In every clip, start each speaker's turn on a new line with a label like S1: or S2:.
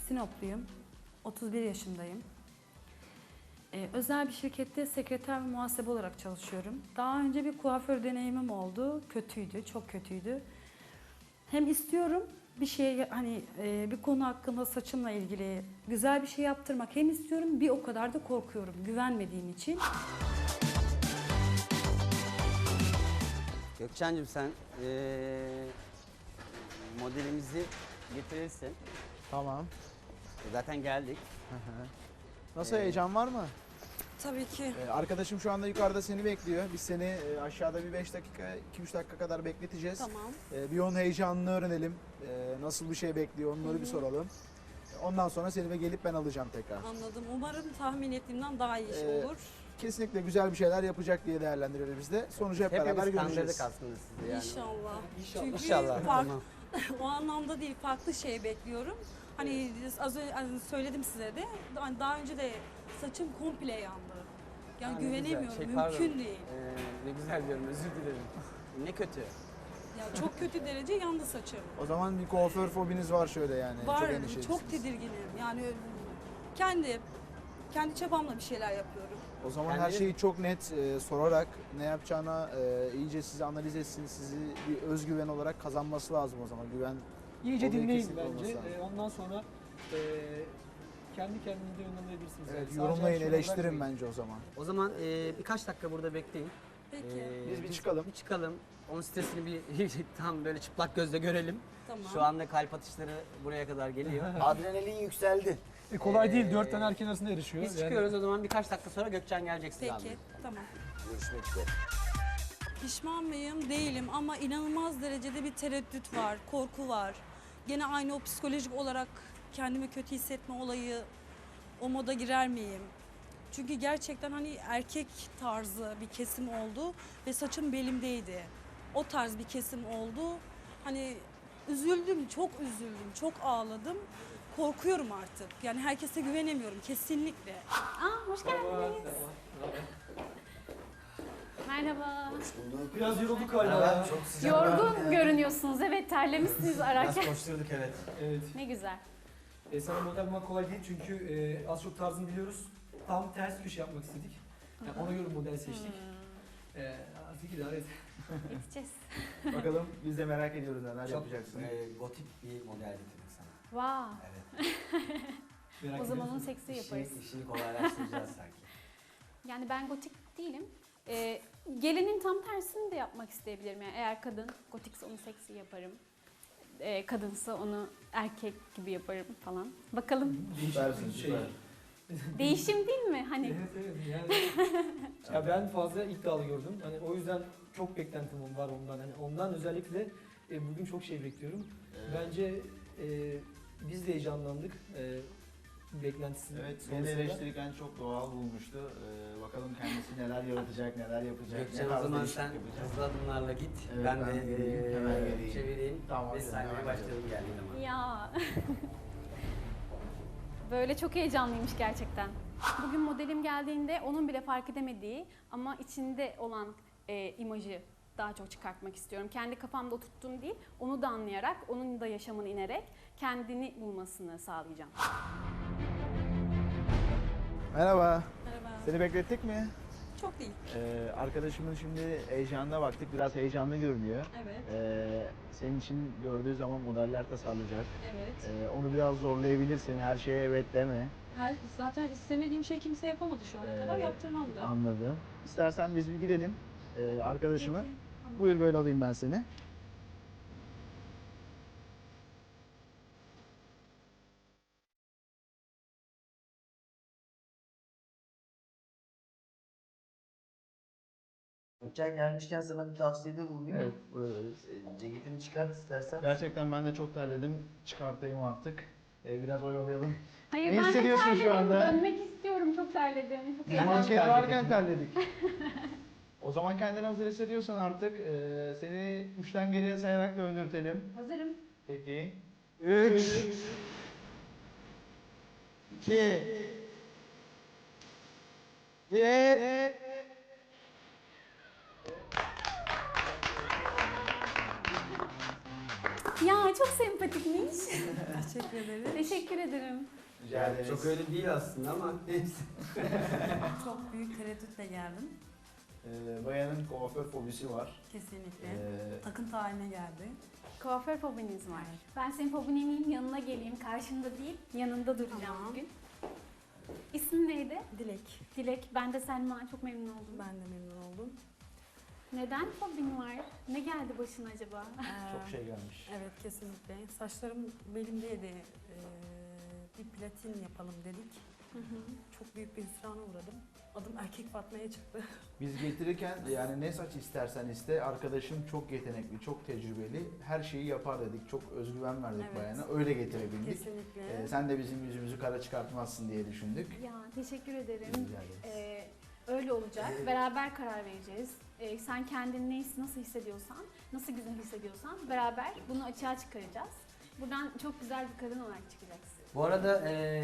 S1: Sinopluyum. 31 yaşındayım. Özel bir şirkette sekreter ve muhasebe olarak çalışıyorum. Daha önce bir kuaför deneyimim oldu. Kötüydü, çok kötüydü. Hem istiyorum bir şey hani bir konu hakkında saçımla ilgili güzel bir şey yaptırmak hem istiyorum bir o kadar da korkuyorum güvenmediğim için.
S2: Gökçen'cim sen modelimizi getirirsin.
S3: Tamam.
S2: Zaten geldik.
S3: Nasıl, heyecan var mı?
S1: Tabii ki.
S3: Arkadaşım şu anda yukarıda seni bekliyor. Biz seni aşağıda bir 5 dakika, 2-3 dakika kadar bekleteceğiz.
S1: Tamam.
S3: Bir onun heyecanını öğrenelim. Nasıl bir şey bekliyor onları bir soralım. Ondan sonra seni gelip ben alacağım tekrar.
S4: Anladım. Umarım tahmin ettiğimden daha iyi iş
S3: Ee,
S4: olur.
S3: Kesinlikle güzel bir şeyler yapacak diye değerlendiriyoruz biz de. Sonucu hep beraber
S2: Hepimiz
S3: göreceğiz.
S2: kandırdık aslında sizi yani.
S4: İnşallah. Çünkü
S2: İnşallah.
S4: fark- o anlamda değil, farklı şey bekliyorum. Hani az önce söyledim size de, daha önce de saçım komple yandı. Yani
S2: Ha, ne güzel.
S4: güvenemiyorum,
S2: Pardon.
S4: mümkün değil.
S2: Ne güzel diyorum, özür dilerim. Ne kötü.
S4: Yani çok kötü derece yandı saçım.
S3: O zaman bir kuaför fobiniz var şöyle yani.
S4: Var,
S3: Çok endişelisiniz.
S4: çok tedirginim. Yani kendi çabamla bir şeyler yapıyorum.
S3: O zaman her
S2: Kendiniz-
S3: şeyi çok net sorarak ne yapacağına iyice sizi analiz etsin, sizi bir özgüven olarak kazanması lazım o zaman. Güven
S5: İyice
S3: olayı
S5: dinleyin
S3: kesinlikle olması
S5: bence.
S3: lazım.
S5: Ondan sonra kendi kendinize yönlendirebilirsiniz.
S3: Evet,
S5: Sadece
S3: yorumlayın,
S5: aşağıda
S3: eleştirin
S5: bırakmayın.
S3: bence o zaman.
S2: O zaman birkaç dakika burada bekleyin.
S4: Peki.
S3: Biz bir çıkalım.
S2: Bir çıkalım. Onun sitesini bir tam böyle çıplak gözle görelim.
S4: Tamam.
S2: Şu anda kalp atışları buraya kadar geliyor.
S6: Adrenalin yükseldi.
S5: Kolay değil, 4 tane erkeğin arasında yarışıyor.
S2: Biz çıkıyoruz o zaman birkaç dakika sonra Gökçen gelecek size
S4: Peki,
S2: almaya.
S4: tamam.
S6: Görüşmek üzere.
S4: Pişman mıyım? Değilim ama inanılmaz derecede bir tereddüt var, korku var. Gene aynı o psikolojik olarak kendimi kötü hissetme olayı, o moda girer miyim? Çünkü gerçekten hani erkek tarzı bir kesim oldu ve saçım belimdeydi. O tarz bir kesim oldu. Hani üzüldüm, çok üzüldüm, çok ağladım. Korkuyorum artık. Yani herkese güvenemiyorum kesinlikle.
S7: Hoş geldiniz. Merhaba.
S5: Biraz yorulduk galiba.
S6: Çok sıcak.
S7: Yorgun görünüyorsunuz. Evet, terlemişsiniz ararken.
S6: Koşturduk evet.
S5: Evet.
S7: Ne güzel.
S5: Sana model bulmak kolay değil çünkü az çok tarzını biliyoruz. Tam ters köşe yapmak istedik. Yani ona göre model seçtik. Artık idare et.
S7: Yetişeceğiz.
S3: Bakalım biz de merak ediyoruz neler
S5: Çok-
S3: yapacaksın.
S6: Gotik bir model getirdik sana.
S7: Wow.
S6: Evet.
S5: Merak
S7: O zaman onu
S5: ediyorsun.
S7: seksi yaparız.
S6: İşini kolaylaştıracağız sanki.
S7: Yani ben gotik değilim. Gelinin tam tersini de yapmak isteyebilirim. Yani eğer kadın gotikse onu seksi yaparım. Kadınsa onu erkek gibi yaparım falan. Bakalım.
S3: Süpersin,
S5: Değişik bir şey.
S7: Değişim değil mi? Hani
S5: Evet evet yani. Ya ben fazla iddialı gördüm. Hani o yüzden çok beklentim var ondan. Hani ondan özellikle bugün çok şey bekliyorum. Bence biz de heyecanlandık. Beklentisi
S3: Evet, beni
S5: sonrasında.
S3: eleştirirken çok doğal bulmuştu. Bakalım kendisi neler yaratacak, neler yapacak.
S2: Gökçen
S3: ne
S2: o
S3: tarz
S2: zaman
S3: değişiklik
S2: sen
S3: yapacak.
S2: hızlı adımlarla git.
S3: Evet,
S2: ben
S3: ben
S2: de
S3: geleyim, hemen geleyim.
S2: çevireyim.
S3: Tamam,
S2: Ve
S3: hadi,
S2: sahneye
S3: hemen
S2: başlayalım geldiği zaman.
S7: ya. Böyle çok heyecanlıymış gerçekten. Bugün modelim geldiğinde onun bile fark edemediği ama içinde olan imajı daha çok çıkartmak istiyorum. Kendi kafamda oturttuğum değil, onu da anlayarak, onun da yaşamını inerek kendini bulmasını sağlayacağım.
S3: Merhaba.
S4: Merhaba.
S3: Seni beklettik mi?
S4: Çok değil.
S3: Arkadaşımın şimdi heyecanına baktık. Biraz heyecanlı görünüyor.
S4: Evet,
S3: Senin için gördüğü zaman modeller tasarlayacak.
S4: evet.
S3: Onu biraz zorlayabilirsin. Her şeye evet deme.
S4: Zaten istemediğim şey kimse yapamadı şu ana kadar, yaptırmam da.
S3: Anladım. İstersen biz bir gidelim arkadaşıma. Buyur, böyle alayım ben seni.
S6: Gökçen gelmişken sana bir tavsiyede bulunayım.
S3: Evet, buyurun.
S6: Ceketini çıkart istersen.
S3: Gerçekten ben de çok terledim. Çıkartayım artık. Biraz oyalayalım.
S7: Hayır,
S3: Ne
S7: ben de
S3: hissediyorsun şu
S7: terledim.
S3: anda?
S7: Dönmek istiyorum, çok terledim. Çok
S3: Manken varken terledik. O zaman kendini hazır hissediyorsan artık seni 3'ten geriye sayarak döndürtelim.
S7: Hazırım.
S3: Peki. 3 2 1
S7: Çok Ya çok sempatikmiş.
S1: Teşekkür ederim.
S7: Teşekkür ederim.
S3: Rica ederiz.
S2: Çok öyle değil aslında ama neyse.
S1: Çok büyük tereddütle geldim.
S3: Bayanın kuaför fobisi var.
S1: Kesinlikle.
S3: Ee,
S1: Takıntı haline geldi.
S7: Kuaför fobiniz var. Ben senin fobini yeneyim, yanına geleyim. Karşında değil, yanında duracağım
S1: Tamam.
S7: bugün. İsmin neydi?
S1: Dilek.
S7: Dilek. Ben de Selma. Çok memnun oldum.
S1: Ben de memnun oldum.
S7: Neden fobin var? Ne geldi başına acaba?
S3: Çok şey gelmiş.
S1: Evet, kesinlikle. Saçlarım belimdeydi. Bir platin yapalım dedik.
S7: Hı hı.
S1: Çok büyük bir hüsrana uğradım. Adım Erkek Fatma'ya çıktı.
S3: Biz getirirken yani ne saç istersen iste, arkadaşım çok yetenekli, çok tecrübeli, her şeyi yapar dedik. Çok özgüven verdik
S1: Evet.
S3: bayana. Öyle getirebildik.
S1: Kesinlikle.
S3: Sen de bizim yüzümüzü kara çıkartmazsın diye düşündük.
S7: Ya teşekkür ederim.
S3: Rica ederiz.
S7: Öyle olacak. Beraber karar vereceğiz. Sen kendini nasıl hissediyorsan, nasıl güzel hissediyorsan beraber bunu açığa çıkaracağız. Buradan çok güzel bir kadın olarak çıkacaksın.
S2: Bu arada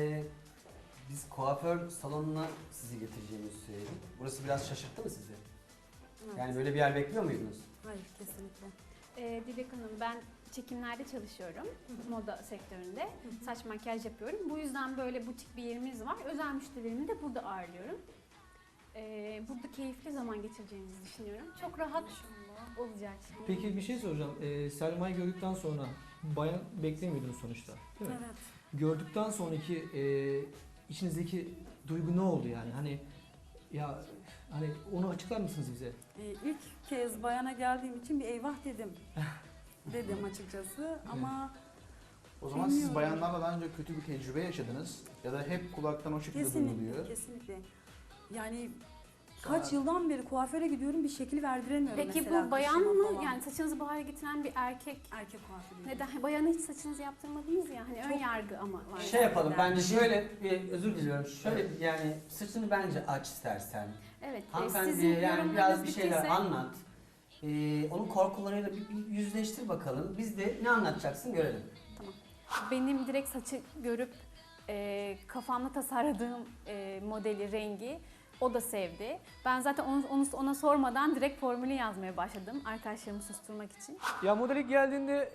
S2: biz kuaför salonuna sizi getireceğimizi söyledik. Burası biraz şaşırttı mı sizi?
S1: Evet.
S2: Yani böyle bir yer bekliyor muydunuz?
S1: Hayır, kesinlikle.
S7: Dilek Hanım, ben çekimlerde çalışıyorum. Moda sektöründe. Saç makyaj yapıyorum. Bu yüzden böyle butik bir yerimiz var. Özel müşterilerimi de burada ağırlıyorum. Burada keyifli zaman geçireceğinizi düşünüyorum. Çok rahat olacak.
S5: Peki bir şey soracağım. Selma'yı gördükten sonra bayan beklemiyordunuz sonuçta, değil mi?
S1: Evet.
S5: Gördükten sonraki içinizdeki duygu ne oldu yani? Hani ya hani onu açıklar mısınız bize?
S1: İlk kez bayana geldiğim için bir eyvah dedim. Dedim açıkçası ama
S3: O zaman siz
S1: Bilmiyorum.
S3: bayanlarla daha önce kötü bir tecrübe yaşadınız ya da hep kulaktan o şekilde
S1: kesinlikle,
S3: duyuluyor.
S1: kesinlikle. Yani kaç yıldan beri kuaföre gidiyorum, bir şekil verdiremiyorum
S7: Peki
S1: mesela.
S7: bu bayan
S1: kışıma
S7: mı?
S1: falan.
S7: Yani saçınızı bu hale getiren bir erkek.
S1: Erkek kuaförü.
S7: Neden? Bayana hiç saçınızı yaptırmadınız ya. Hani ön yargı ama var.
S2: Şey yapalım
S1: Ben-
S2: bence şöyle bir özür diliyorum. Şöyle yani saçını bence aç istersen.
S7: Evet.
S2: Hanımefendiye yani biraz bir şeyler anlat. Onun korkularıyla bir yüzleştir bakalım. Biz de ne anlatacaksın görelim.
S7: Benim direkt saçı görüp kafamda tasarladığım modeli, rengi o da sevdi. Ben zaten ona sormadan direkt formülü yazmaya başladım arkadaşlarımı susturmak için.
S5: Ya model ilk geldiğinde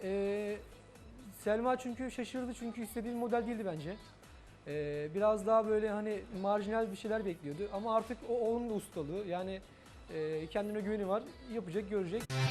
S5: Selma çünkü şaşırdı çünkü istediği bir model değildi bence. Biraz daha böyle hani marjinal bir şeyler bekliyordu ama artık o onun da ustalığı yani kendine güveni var, yapacak, görecek.